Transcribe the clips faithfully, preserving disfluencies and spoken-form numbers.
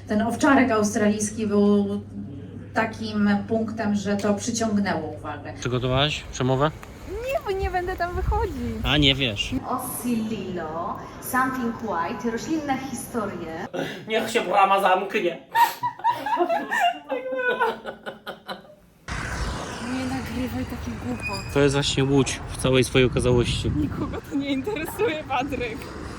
ten owczarek australijski był takim punktem, że to przyciągnęło uwagę. Przygotowałaś przemowę? Nie, bo nie będę tam wychodzić. A nie wiesz. Oscillilo, Something White, roślinne historie. Niech się brama zamknie. Nie nagrywaj takich głupot. To jest właśnie Łódź w całej swojej okazałości. Nikogo to nie interesuje, Patryk.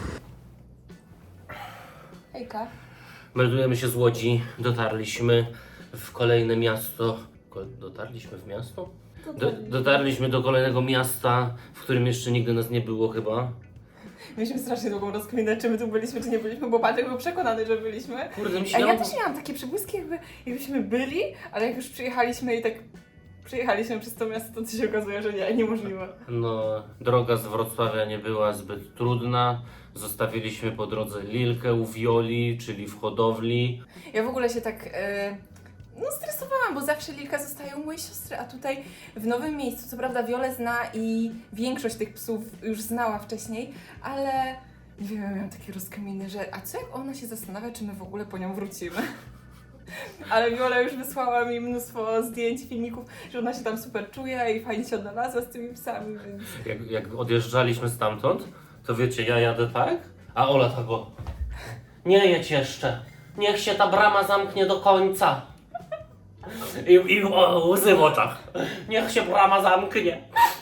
Hejka. Meldujemy się z Łodzi. Dotarliśmy w kolejne miasto. Ko- Dotarliśmy w miasto? Do, dotarliśmy do kolejnego miasta, w którym jeszcze nigdy nas nie było chyba. Mieliśmy strasznie długą rozkminę, czy my tu byliśmy, czy nie byliśmy, bo Patryk był przekonany, że byliśmy. Kurde, mi się A ja dało- też miałam takie przebłyski, jakby, jakbyśmy byli, ale jak już przyjechaliśmy i tak przyjechaliśmy przez to miasto, to się okazuje, że nie, niemożliwe. No, droga z Wrocławia nie była zbyt trudna. Zostawiliśmy po drodze Lilkę u Wioli, czyli w hodowli. Ja w ogóle się tak e, no stresowałam, bo zawsze Lilka zostaje u mojej siostry, a tutaj w nowym miejscu, co prawda Wiolę zna i większość tych psów już znała wcześniej, ale nie wiem, ja miałam takie rozkminy, że a co jak ona się zastanawia, czy my w ogóle po nią wrócimy? Ale Wiola już wysłała mi mnóstwo zdjęć, filmików, że ona się tam super czuje i fajnie się odnalazła z tymi psami, więc... Jak, jak odjeżdżaliśmy stamtąd, to wiecie, ja jadę tak, a Ola tak o. Nie jedź jeszcze. Niech się ta brama zamknie do końca. I, i o, łzy w oczach. Niech się brama zamknie.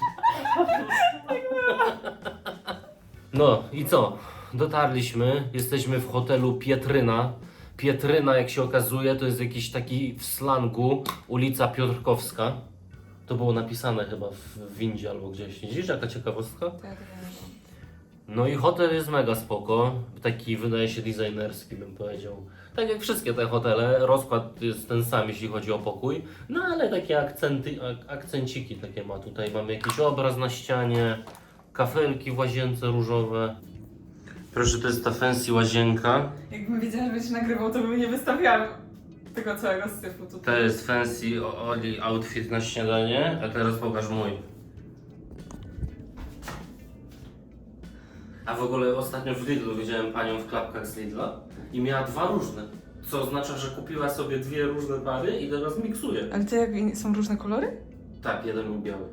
No i co? Dotarliśmy, jesteśmy w hotelu Pietryna. Pietryna, jak się okazuje, to jest jakiś taki w slangu ulica Piotrkowska. To było napisane chyba w windzie albo gdzieś. Widzisz, jaka ciekawostka? No i hotel jest mega spoko, taki wydaje się designerski, bym powiedział. Tak jak wszystkie te hotele, rozkład jest ten sam, jeśli chodzi o pokój, no ale takie akcenty, ak akcenciki takie ma. Tutaj mamy jakiś obraz na ścianie, kafelki w łazience różowe. Proszę, to jest ta fancy łazienka. Jakbym wiedziała, że będziesz nagrywał, to bym nie wystawiała tego całego syfu To tutaj. jest fancy Oli outfit na śniadanie, a teraz pokaż mój. A w ogóle ostatnio w Lidlu widziałem panią w klapkach z Lidla i miała dwa różne. Co oznacza, że kupiła sobie dwie różne pary i teraz miksuje. Ale to jak są różne kolory? Tak, jeden był biały.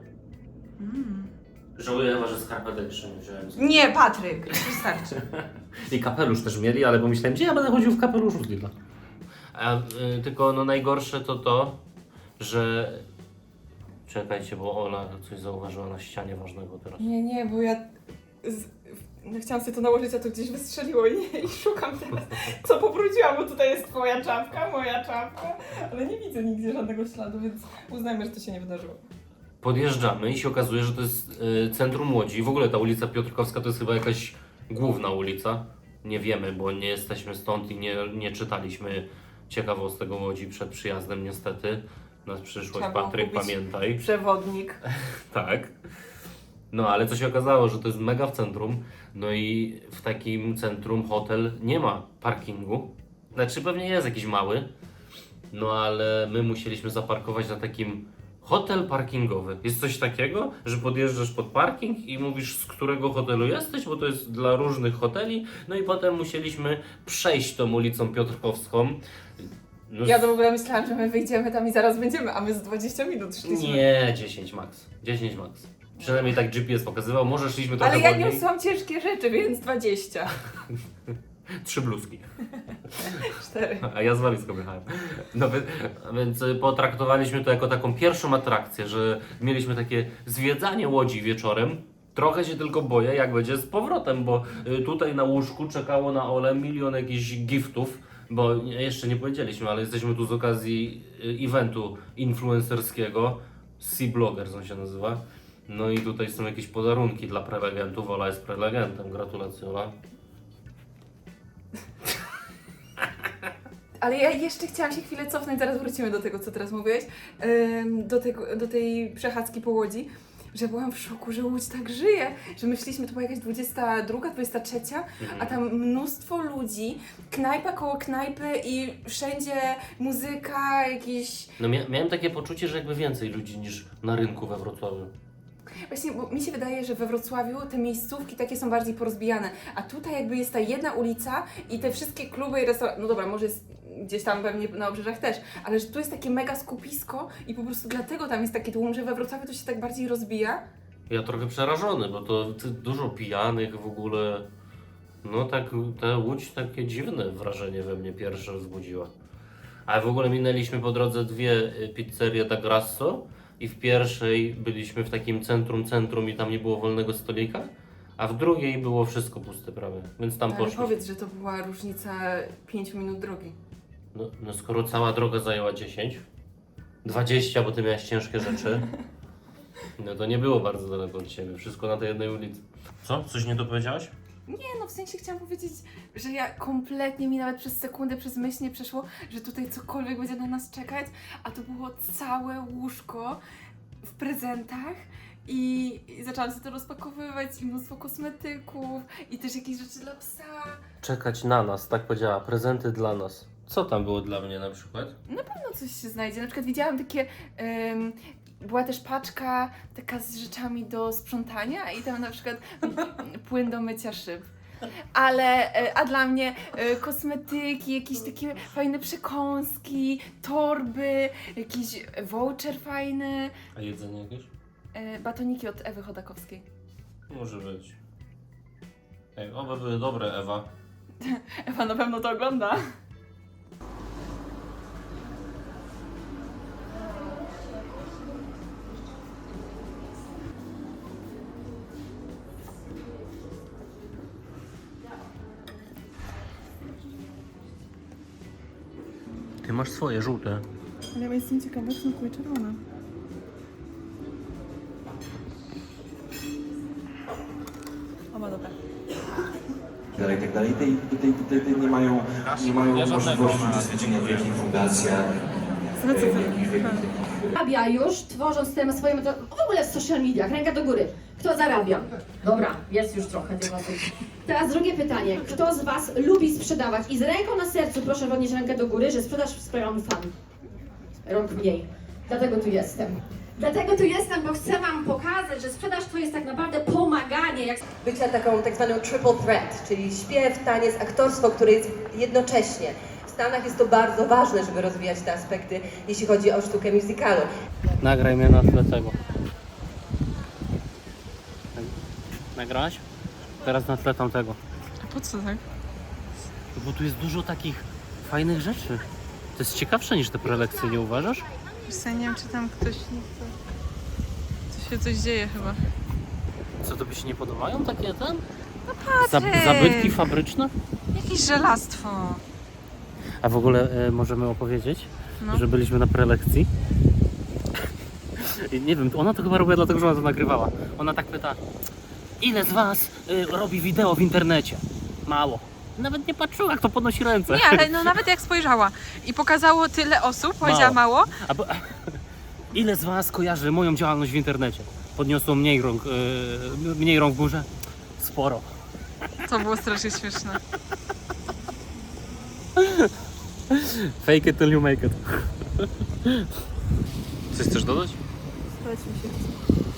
Żałuję chyba, że skarpetę jeszcze nie wziąłem. Nie, Patryk, wystarczy. I kapelusz też mieli, ale pomyślałem, gdzie ja będę chodził w kapeluszu z Lidla. A y, tylko no najgorsze to to, że... Czekajcie, bo Ola coś zauważyła na ścianie ważnego teraz. Nie, nie, bo ja z... no, chciałam sobie to nałożyć, a to gdzieś wystrzeliło i, nie, i szukam teraz, co pobrudziłam, bo tutaj jest twoja czapka, moja czapka, ale nie widzę nigdzie żadnego śladu, więc uznajmy, że to się nie wydarzyło. Podjeżdżamy i się okazuje, że to jest y, centrum Łodzi. W ogóle ta ulica Piotrkowska to jest chyba jakaś główna ulica. Nie wiemy, bo nie jesteśmy stąd i nie, nie czytaliśmy ciekawostek o Łodzi przed przyjazdem niestety. Na przyszłość, Trzeba było Patryk, kupić pamiętaj. Przewodnik. Tak. No ale co się okazało, że to jest mega w centrum. No i w takim centrum hotel nie ma parkingu. Znaczy pewnie jest jakiś mały. No ale my musieliśmy zaparkować na takim hotel parkingowy. Jest coś takiego, że podjeżdżasz pod parking i mówisz, z którego hotelu jesteś, bo to jest dla różnych hoteli. No i potem musieliśmy przejść tą ulicą Piotrkowską. No, Ja to w ogóle myślałam, że my wyjdziemy tam i zaraz będziemy, a my z dwadzieścia minut szliśmy. Nie, dziesięć max. dziesięć max. Przynajmniej tak G P S pokazywał. Może szliśmy trochę Ale ja wolniej. niosłam ciężkie rzeczy, więc dwadzieścia. Trzy bluzki. Cztery. A ja z walizką jechałem. No wy- więc y, potraktowaliśmy to jako taką pierwszą atrakcję, że mieliśmy takie zwiedzanie Łodzi wieczorem. Trochę się tylko boję, jak będzie z powrotem, bo y, tutaj na łóżku czekało na Ole milion jakichś giftów, bo nie- jeszcze nie powiedzieliśmy, ale jesteśmy tu z okazji y, eventu influencerskiego. Sea Bloggers on się nazywa. No i tutaj są jakieś podarunki dla prelegentów. Ola jest prelegentem. Gratulacje, Ola. Ale ja jeszcze chciałam się chwilę cofnąć, zaraz wrócimy do tego, co teraz mówiłeś, ym, do, tego, do tej przechadzki po Łodzi, że byłam w szoku, że Łódź tak żyje, że myśleliśmy, to była jakaś dwudziesta druga, dwudziesta trzecia, a tam mnóstwo ludzi, knajpa koło knajpy i wszędzie muzyka, jakieś... No mia- miałem takie poczucie, że jakby więcej ludzi niż na rynku we Wrocławiu. Właśnie, bo mi się wydaje, że we Wrocławiu te miejscówki takie są bardziej porozbijane, a tutaj jakby jest ta jedna ulica i te wszystkie kluby i restauracje, no dobra, może jest gdzieś tam pewnie na obrzeżach też, ale że tu jest takie mega skupisko i po prostu dlatego tam jest taki tłum, że we Wrocławiu to się tak bardziej rozbija. Ja trochę przerażony, bo to ty- dużo pijanych w ogóle. No tak, ta Łódź takie dziwne wrażenie we mnie pierwsze wzbudziła. Ale w ogóle minęliśmy po drodze dwie y, pizzerie da Grasso i w pierwszej byliśmy w takim centrum, centrum i tam nie było wolnego stolika, a w drugiej było wszystko puste prawie, więc tam Ale poszliśmy. powiedz, że to była różnica pięciu minut drogi. No, no skoro cała droga zajęła dziesięć, dwadzieścia, bo ty miałeś ciężkie rzeczy, no to nie było bardzo daleko od ciebie, wszystko na tej jednej ulicy. Co? Coś nie dopowiedziałaś? Nie, no w sensie chciałam powiedzieć, że ja kompletnie mi nawet przez sekundę, przez myśl nie przeszło, że tutaj cokolwiek będzie na nas czekać, a to było całe łóżko w prezentach i, i zaczęłam sobie to rozpakowywać i mnóstwo kosmetyków i też jakieś rzeczy dla psa. Czekać na nas, tak powiedziała, prezenty dla nas. Co tam było dla mnie na przykład? Na pewno coś się znajdzie. Na przykład widziałam takie. Ym, była też paczka taka z rzeczami do sprzątania i tam na przykład płyn do mycia szyb. Ale, e, a dla mnie e, kosmetyki, jakieś takie fajne przekąski, torby, jakiś voucher fajny, A jedzenie jakieś? e, batoniki od Ewy Chodakowskiej. Może być. Ej, oby były dobre, Ewa. Ewa na pewno to ogląda. Ty masz swoje, żółte. Ale ja jestem ciekawa, czy smakuje czerwona. O, ma dobra. dalej, tak dalej. Tutaj, tutaj, tutaj, tutaj nie mają, nie mają możliwości uczestniczenia w wielkich fundacjach. Zarabia już, tworząc te swoje metody, w ogóle w social mediach, ręka do góry. Kto zarabia? Dobra, jest już trochę tych osób. Teraz drugie pytanie. Kto z Was lubi sprzedawać? I z ręką na sercu proszę podnieść rękę do góry, że sprzedaż sprawia mi fan. Rąk mniej. Dlatego tu jestem. Dlatego tu jestem, bo chcę Wam pokazać, że sprzedaż to jest tak naprawdę pomaganie. Jak... Bycia taką tak zwaną triple threat, czyli śpiew, taniec, aktorstwo, które jest jednocześnie. W Stanach jest to bardzo ważne, żeby rozwijać te aspekty, jeśli chodzi o sztukę musicalu. Nagraj mnie na tle tego. Nagrałaś? Teraz na tle tamtego. A po co tak? Bo tu jest dużo takich fajnych rzeczy. To jest ciekawsze niż te prelekcje, nie uważasz? Ja nie wiem, czy tam ktoś nie chce. Tu się coś dzieje chyba. Co, to by się nie podobają takie ten? No patrz! Zab- zabytki fabryczne? Jakieś żelastwo. A w ogóle e, możemy opowiedzieć, No. że byliśmy na prelekcji. I nie wiem, ona to chyba robiła dlatego, że ona to nagrywała. Ona tak pyta, ile z was y, robi wideo w internecie? Mało. Nawet nie patrzyła, jak to podnosi ręce. Nie, ale no nawet jak spojrzała i pokazało tyle osób, powiedziała mało. A bo, ile z was kojarzy moją działalność w internecie? Podniosło mniej rąk, y, mniej rąk w górze? Sporo. To było strasznie śmieszne. Fake it till you make it. Coś chcesz dodać? Spać mi się chce.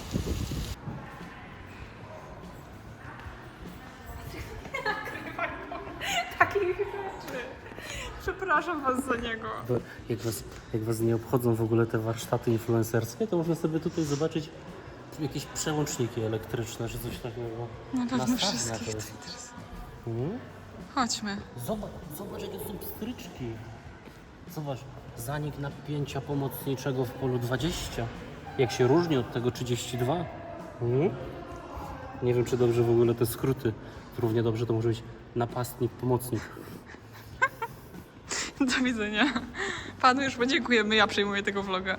Takich rzeczy. Przepraszam was za niego. Bo jak was, jak was nie obchodzą w ogóle te warsztaty influencerskie, to można sobie tutaj zobaczyć jakieś przełączniki elektryczne, czy coś takiego. Na pewno Nastawnia wszystkich to to jest. interesuje. Mhm. Chodźmy. Zobacz, zobacz jakie są pstryczki. Zobacz, zanik napięcia pomocniczego w polu dwadzieścia. Jak się różni od tego trzydzieści dwa. Mhm. Nie wiem, czy dobrze w ogóle te skróty. Równie dobrze to może być napastnik, pomocnik. Do widzenia. Panu już podziękujemy, ja przejmuję tego vloga.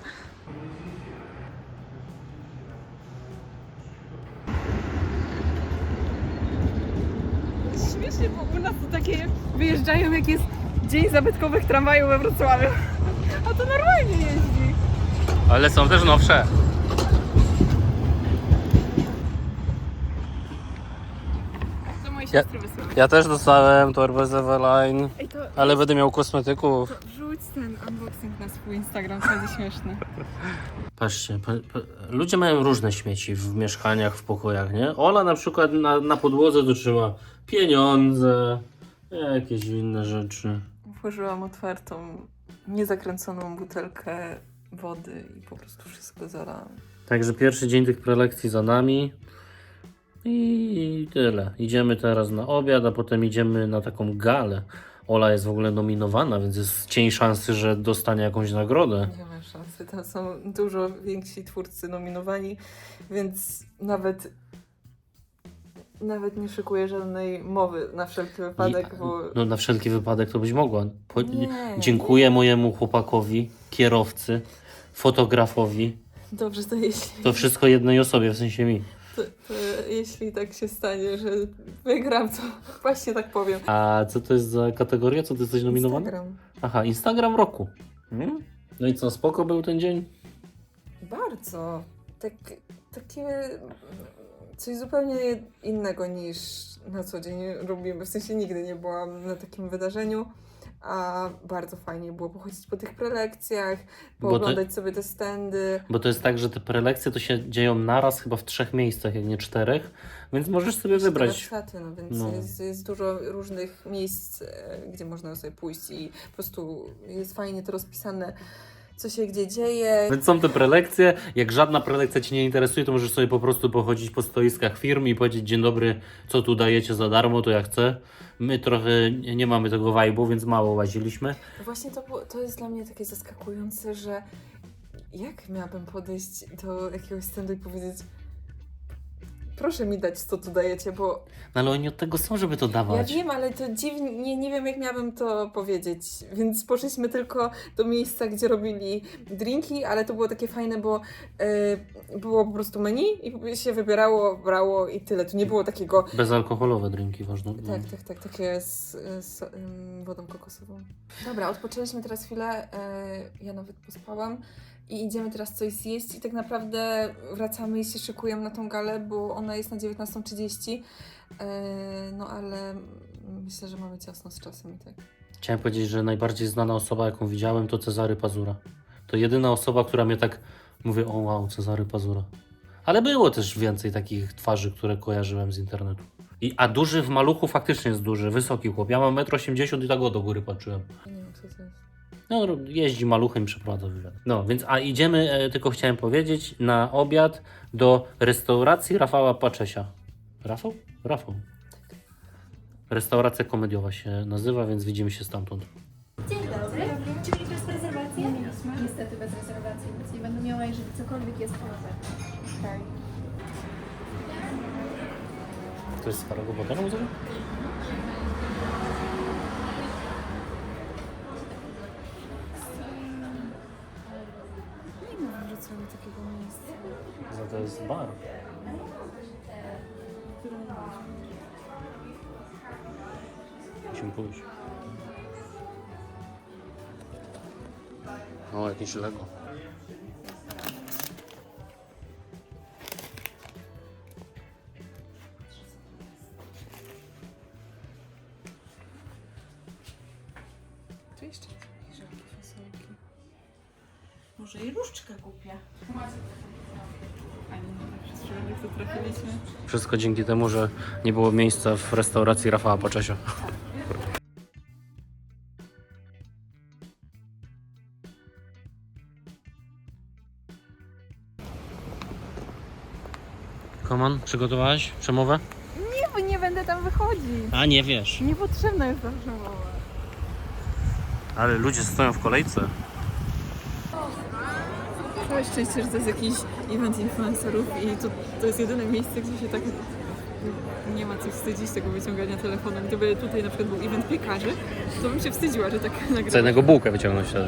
Śmiesznie, bo u nas to takie wyjeżdżają, jak jest Dzień Zabytkowych Tramwajów we Wrocławiu. A to normalnie jeździ. Ale są też nowsze. To moje Ja- siostry wysłały. Ja też dostałem torbę z Eveline, Ej, to, ale będę miał kosmetyków. to wrzuć ten unboxing na swój Instagram, to będzie śmieszne. Patrzcie, pa, pa, ludzie mają różne śmieci w mieszkaniach, w pokojach, nie? Ola na przykład na, na podłodze to trzyma pieniądze, jakieś inne rzeczy. otworzyłam otwartą, niezakręconą butelkę wody i po prostu wszystko zalałam. Także pierwszy dzień tych prelekcji za nami i tyle. Idziemy teraz na obiad, a potem idziemy na taką galę. Ola jest w ogóle nominowana, więc jest cień szansy, że dostanie jakąś nagrodę. Nie ma szansy, tam są dużo więksi twórcy nominowani, więc nawet nawet nie szykuję żadnej mowy na wszelki wypadek, I- bo... No na wszelki wypadek to byś mogła. Po, Nie, dziękuję mojemu chłopakowi, kierowcy, fotografowi. Dobrze, to jeśli, To wszystko jednej osobie, w sensie mi. to, to jeśli tak się stanie, że wygram, to właśnie tak powiem. A co to jest za kategoria? Co ty jesteś nominowany? Instagram. Aha, Instagram roku. Hmm? No i co, spoko był ten dzień? Bardzo. Tak, takie coś zupełnie innego niż na co dzień robimy. W sensie nigdy nie byłam na takim wydarzeniu, a bardzo fajnie było pochodzić po tych prelekcjach, Bo pooglądać sobie te standy. Bo to jest tak, że te prelekcje to się dzieją naraz chyba w trzech miejscach, jak nie czterech, więc możesz sobie Jeszcze te wybrać. warsztaty, no więc No. Jest, jest dużo różnych miejsc, e, gdzie można sobie pójść i po prostu jest fajnie to rozpisane, co się gdzie dzieje. Więc są te prelekcje. Jak żadna prelekcja Cię nie interesuje, to możesz sobie po prostu pochodzić po stoiskach firm i powiedzieć: dzień dobry, co tu dajecie za darmo, to ja chcę. My trochę nie nie mamy tego vibe'u, więc mało łaziliśmy. Właśnie to, było- to jest dla mnie takie zaskakujące, że jak miałabym podejść do jakiegoś standu i powiedzieć: proszę mi dać, co tu dajecie, bo No ale oni od tego są, żeby to ja dawać. wiem, ale to dziwnie, nie, nie wiem jak miałabym to powiedzieć, więc poszliśmy tylko do miejsca, gdzie robili drinki, ale to było takie fajne, bo e, było po prostu menu i się wybierało, brało i tyle, tu nie było takiego, Bezalkoholowe drinki, ważne. No. tak, tak, tak, takie z, z ym, wodą kokosową. Dobra, odpoczęliśmy teraz chwilę, e, ja nawet pospałam i idziemy teraz coś zjeść i tak naprawdę wracamy i się szykujemy na tą galę, bo ona jest na dziewiętnasta trzydzieści. E, no ale myślę, że mamy ciasno z czasem i tak. Chciałem powiedzieć, że najbardziej znana osoba, jaką widziałem, to Cezary Pazura. To jedyna osoba, która mnie tak... Mówię: o wow, Cezary Pazura. Ale było też więcej takich twarzy, które kojarzyłem z internetu. I, a duży w maluchu faktycznie jest duży, wysoki chłop. Ja mam metr osiemdziesiąt i tak o do góry patrzyłem. Ja nie wiem, co to jest. No, jeździ maluchem i przeprowadza wywiad. No, więc a idziemy, e, tylko chciałem powiedzieć, na obiad do restauracji Rafała Paczesia. Rafał? Rafał. Restauracja komediowa się nazywa, więc widzimy się stamtąd. Dzień dobry. Czy mieli bez rezerwacji? Nie mieliśmy. Niestety bez rezerwacji, więc nie będę miała, jeżeli cokolwiek jest poza. Okay. To jest z Farego Botana muzyka? Nie ma w Wrocławiu takiego miejsca. Za to jest bar. Musimy pójść. O, jakieś Lego. Tu jeszcze jakieś żelki, fasolki. Może i różdżkę kupię. A nie, przez przypadek to trafiliśmy. Wszystko dzięki temu, że nie było miejsca w restauracji Rafała Paczesia. Koman, przygotowałaś przemowę? Nie, bo nie będę tam wychodzić. A nie wiesz. Niepotrzebna jest ta przemowa. Ale ludzie stoją w kolejce. Całe szczęście, że to jest jakiś event influencerów i to, to jest jedyne miejsce, gdzie się tak nie ma co wstydzić tego wyciągania telefonu. Gdyby tutaj na przykład był event piekarzy, to bym się wstydziła, że tak nagrywam. Chcę jednego bułkę wyciągnąć wtedy.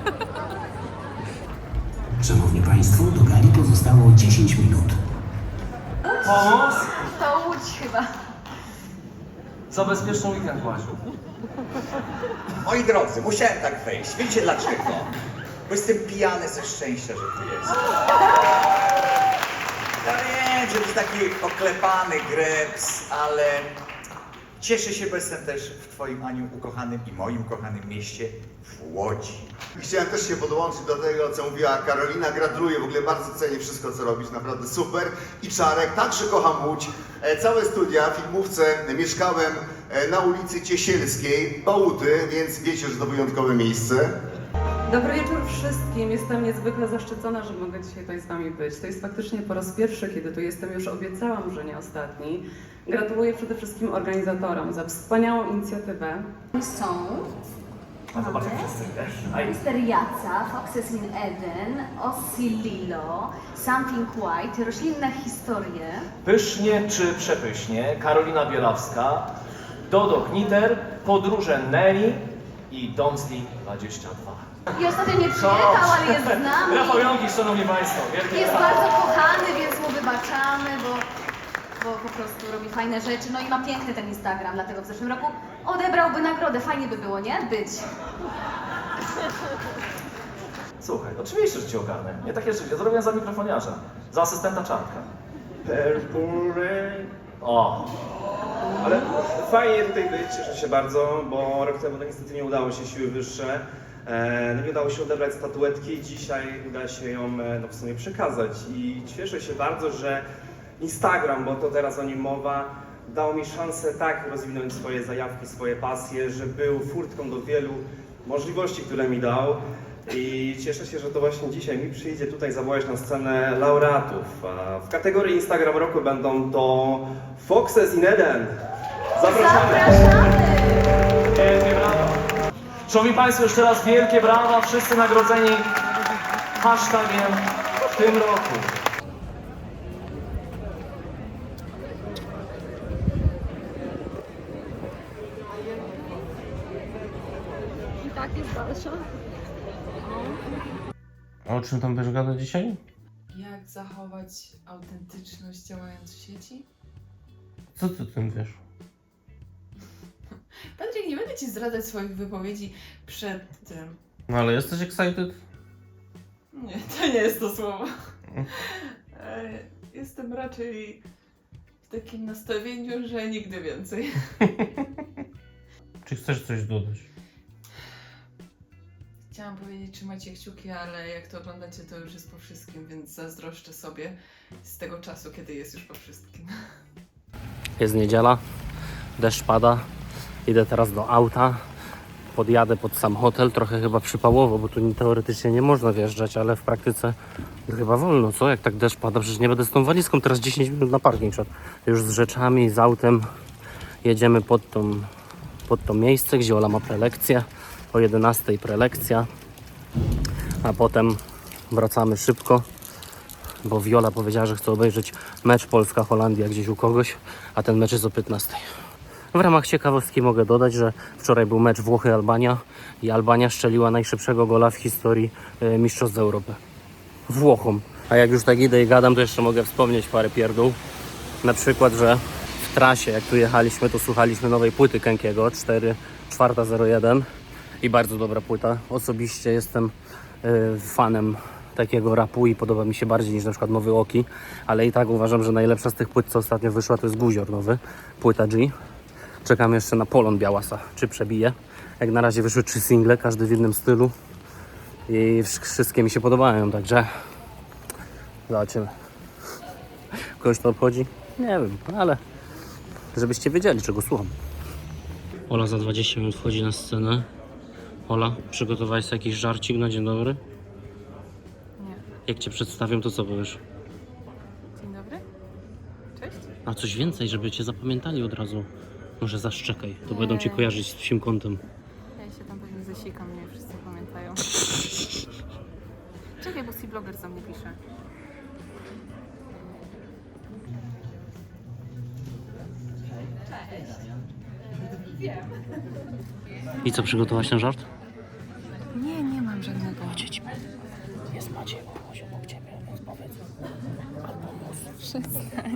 Szanowni Państwo, do gali pozostało dziesięć minut. Pomóc? To Łódź chyba. Za bezpieczny weekend masz. Moi drodzy, musiałem tak wejść. Wiecie dlaczego? Bo jestem pijany ze szczęścia, że tu jest. Ja wiem, że to jest taki oklepany greps, ale cieszę się, bo jestem też w Twoim, Aniu, ukochanym i moim ukochanym mieście w Łodzi. Chciałem też się podłączyć do tego, co mówiła Karolina. Gratuluję, w ogóle bardzo cenię wszystko, co robisz, naprawdę super. I Czarek, także kocham Łódź. E, Całe studia w filmówce mieszkałem e, na ulicy Ciesielskiej, Bałuty, więc wiecie, że to wyjątkowe miejsce. Dobry wieczór wszystkim. Jestem niezwykle zaszczycona, że mogę dzisiaj tutaj z Wami być. To jest faktycznie po raz pierwszy, kiedy tu jestem. Już obiecałam, że nie ostatni. Gratuluję przede wszystkim organizatorom za wspaniałą inicjatywę. Są Mister Jaca, Foxes in Eden, Ossi Lilo, Something White, roślinne historie. Pysznie czy przepysznie, Karolina Bielawska, Dodo Kniter, Podróże Nelly i Donsli dwadzieścia dwa. I ostatnio nie przyjechał, ale jest z nami. Rafał Jąkisz, szanowni państwo. Wielkie Jest brawa. bardzo kochany, więc mu wybaczamy, bo, bo po prostu robi fajne rzeczy. No i ma piękny ten Instagram, dlatego w zeszłym roku odebrałby nagrodę. Fajnie by było, nie? Być. Słuchaj, oczywiście, że cię ogarnę. Nie takie rzeczy, ja zrobiłem za mikrofoniarza, za asystenta Czarnka. Purple Rain. O! Ale fajnie tutaj być, cieszę się bardzo, bo rok temu no niestety nie udało się, siły wyższe. E, no nie udało się odebrać statuetki, dzisiaj uda się ją e, no w sumie przekazać i cieszę się bardzo, że Instagram, bo to teraz o nim mowa, dał mi szansę tak rozwinąć swoje zajawki, swoje pasje, że był furtką do wielu możliwości, które mi dał. I cieszę się, że to właśnie dzisiaj mi przyjdzie tutaj zawołać na scenę laureatów. A w kategorii Instagram Roku będą to Foxes in Eden. Zapraszamy! Wielkie brawa! Szanowni państwo, jeszcze raz wielkie brawa, wszyscy nagrodzeni hashtagiem w tym roku. I tak jest dalsza. A o czym tam będziesz gadać dzisiaj? Jak zachować autentyczność działając w sieci? Co ty o tym wiesz? Patryk, nie będę Ci zdradzać swoich wypowiedzi przed tym. No ale jesteś excited? Nie, to nie jest to słowo. E, Jestem raczej w takim nastawieniu, że nigdy więcej. Czy chcesz coś dodać? Chciałam powiedzieć, trzymajcie kciuki, ale jak to oglądacie, to już jest po wszystkim, więc zazdroszczę sobie z tego czasu, kiedy jest już po wszystkim. Jest niedziela, deszcz pada, idę teraz do auta, podjadę pod sam hotel, trochę chyba przypałowo, bo tu teoretycznie nie można wjeżdżać, ale w praktyce chyba wolno, co? Jak tak deszcz pada, przecież nie będę z tą walizką teraz dziesięć minut na parking szedł. Już z rzeczami, z autem jedziemy pod tą, pod to miejsce, gdzie Ola ma prelekcję, o jedenastej prelekcja, a potem wracamy szybko, bo Viola powiedziała, że chce obejrzeć mecz Polska-Holandia gdzieś u kogoś, a ten mecz jest o piętnastej. W ramach ciekawostki mogę dodać, że wczoraj był mecz Włochy-Albania i Albania strzeliła najszybszego gola w historii e, Mistrzostw Europy. Włochom. A jak już tak idę i gadam, to jeszcze mogę wspomnieć parę pierdół. Na przykład, że w trasie, jak tu jechaliśmy, to słuchaliśmy nowej płyty Kenkiego, cztery cztery zero jeden i bardzo dobra płyta. Osobiście jestem e, fanem takiego rapu i podoba mi się bardziej niż na przykład Nowy Oki, ale i tak uważam, że najlepsza z tych płyt, co ostatnio wyszła, to jest Guzior nowy, płyta G. Czekam jeszcze na Polon Białasa, czy przebije. Jak na razie wyszły trzy single, każdy w innym stylu i wszystkie mi się podobają, także zobaczymy. Kogoś to obchodzi? Nie wiem, ale żebyście wiedzieli, czego słucham. Ola za dwadzieścia minut wchodzi na scenę. Ola, przygotowałeś sobie jakiś żarcik na dzień dobry? Nie. Jak Cię przedstawię, to co powiesz? Dzień dobry. Cześć. A coś więcej, żeby Cię zapamiętali od razu. Może zaszczekaj, to Nie. będą Cię kojarzyć z psim kątem. Ja się tam pewnie zasikam, mnie wszyscy pamiętają. Czekaj, bo C-Blogger za mnie pisze. I co, przygotowałaś ten żart? Nie, nie mam żadnego. Jest Maciej obok Ciebie, więc powiedz. Przestań.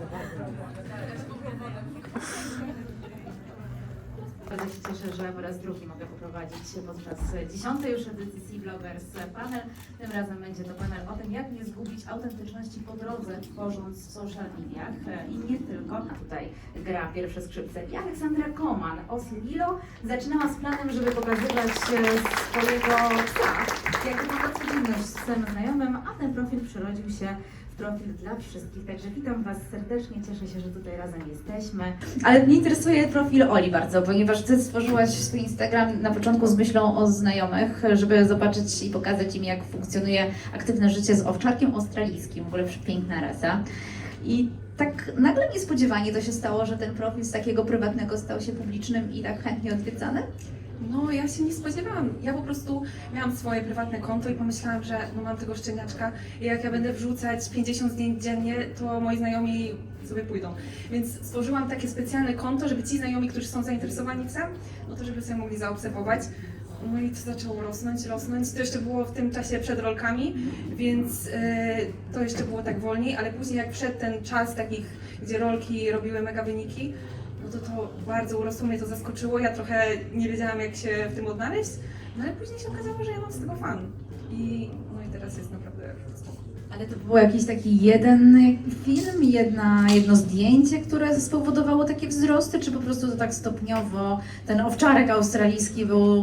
Bardzo się cieszę, że po raz drugi mogę poprowadzić podczas dziesiątej już edycji C-Bloggers panel. Tym razem będzie to panel o tym, jak nie zgubić autentyczności po drodze, tworząc w social mediach i nie tylko. A tutaj gra pierwsze skrzypce i Aleksandra Koman, Ossi Lilo, zaczynała z planem, żeby pokazywać swojego psa, jak ma codzienność z psem znajomym, a ten profil przerodził się w profil dla wszystkich, także witam Was serdecznie, cieszę się, że tutaj razem jesteśmy. Ale mnie interesuje profil Oli bardzo, ponieważ Ty stworzyłaś swój Instagram na początku z myślą o znajomych, żeby zobaczyć i pokazać im, jak funkcjonuje aktywne życie z owczarkiem australijskim, w ogóle piękna rasa. I tak nagle niespodziewanie to się stało, że ten profil z takiego prywatnego stał się publicznym i tak chętnie odwiedzany? No, ja się nie spodziewałam. Ja po prostu miałam swoje prywatne konto i pomyślałam, że no, mam tego szczeniaczka i jak ja będę wrzucać pięćdziesiąt zdjęć dziennie, to moi znajomi sobie pójdą. Więc stworzyłam takie specjalne konto, żeby ci znajomi, którzy są zainteresowani psem, no to żeby sobie mogli zaobserwować. No i to zaczęło rosnąć, rosnąć. To jeszcze było w tym czasie przed rolkami, więc yy, to jeszcze było tak wolniej, ale później jak wszedł ten czas takich, gdzie rolki robiły mega wyniki, no to to bardzo urosło, mnie to zaskoczyło. Ja trochę nie wiedziałam, jak się w tym odnaleźć, no ale później się okazało, że ja mam z tego fan. I, no i teraz jest naprawdę spoko. Ale to był jakiś taki jeden film, jedna, jedno zdjęcie, które spowodowało takie wzrosty, czy po prostu to tak stopniowo ten owczarek australijski był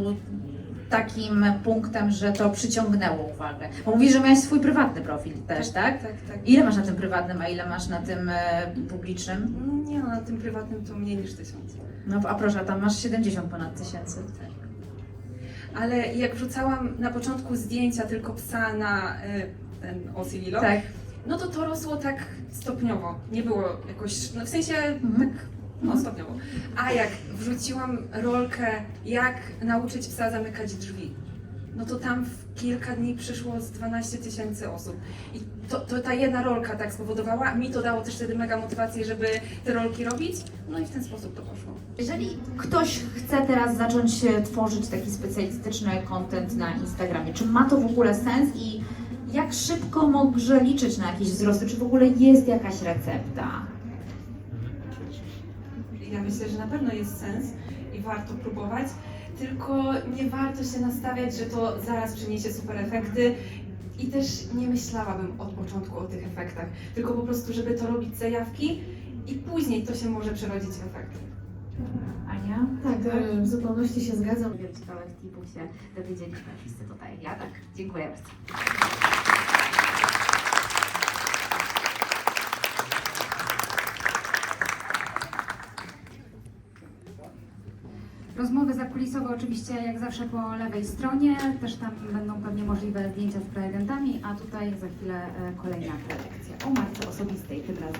takim punktem, że to przyciągnęło uwagę? Bo mówisz, że miałeś swój prywatny profil też, tak? Tak, tak. Ile masz na tym prywatnym, a ile masz na tym e, publicznym? Nie no, na tym prywatnym to mniej niż tysiąc. No a proszę, tam masz siedemdziesiąt ponad tysięcy. Tak. Ale jak wrzucałam na początku zdjęcia tylko psa na y, ten Aussie Lilo, Tak. no to to rosło tak stopniowo. Nie było jakoś, no w sensie tak no, stopniowo. A jak wrzuciłam rolkę, jak nauczyć psa zamykać drzwi, no to tam w kilka dni przyszło z dwanaście tysięcy osób. I to, to ta jedna rolka tak spowodowała, mi to dało też wtedy mega motywację, żeby te rolki robić, no i w ten sposób to poszło. Jeżeli ktoś chce teraz zacząć e, tworzyć taki specjalistyczny content na Instagramie, czy ma to w ogóle sens i jak szybko może liczyć na jakieś wzrosty? Czy w ogóle jest jakaś recepta? Ja myślę, że na pewno jest sens i warto próbować, tylko nie warto się nastawiać, że to zaraz przyniesie super efekty i też nie myślałabym od początku o tych efektach, tylko po prostu, żeby to robić zajawki i później to się może przerodzić w efekty. Ania? Tak, e, w zupełności się zgadzam. Wielu ciekawych tipów się dowiedzieliśmy wszyscy tutaj. Ja tak, dziękuję bardzo. Rozmowy zakulisowe oczywiście jak zawsze po lewej stronie, też tam będą pewnie możliwe zdjęcia z prelegentami, a tutaj za chwilę e, kolejna prelekcja o matce osobistej tym razem.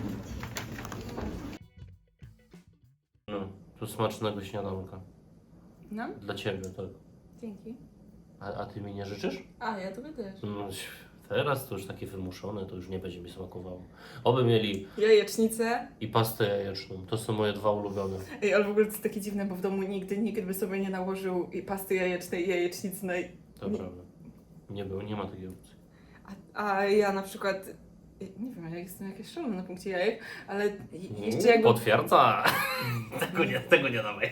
No, to smacznego śniadanka. No? Dla Ciebie, tak. Dzięki. A, a Ty mi nie życzysz? A, ja tobie też. No, teraz to już takie wymuszone, to już nie będzie mi smakowało. Oby mieli Jajecznicę. i pastę jajeczną. To są moje dwa ulubione. Ej, ale w ogóle to jest takie dziwne, bo w domu nigdy nikt by sobie nie nałożył i pasty jajecznej i jajecznicy. To nie, prawda. Nie było, nie ma takiej opcji. a, a ja na przykład, nie wiem, ja jestem jakieś szalone na punkcie jajek, ale jeszcze Mm, jakby... Potwierdza! tego, nie, tego nie dawaj.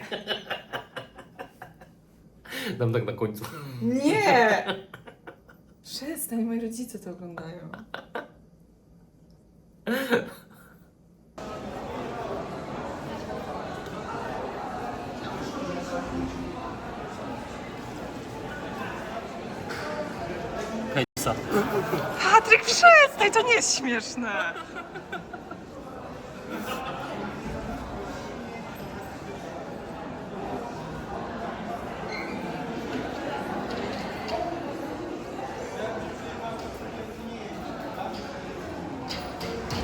Dam tak na końcu. Nie! Przestań, moi rodzice to oglądają. Patryk, przestań, to nie jest śmieszne.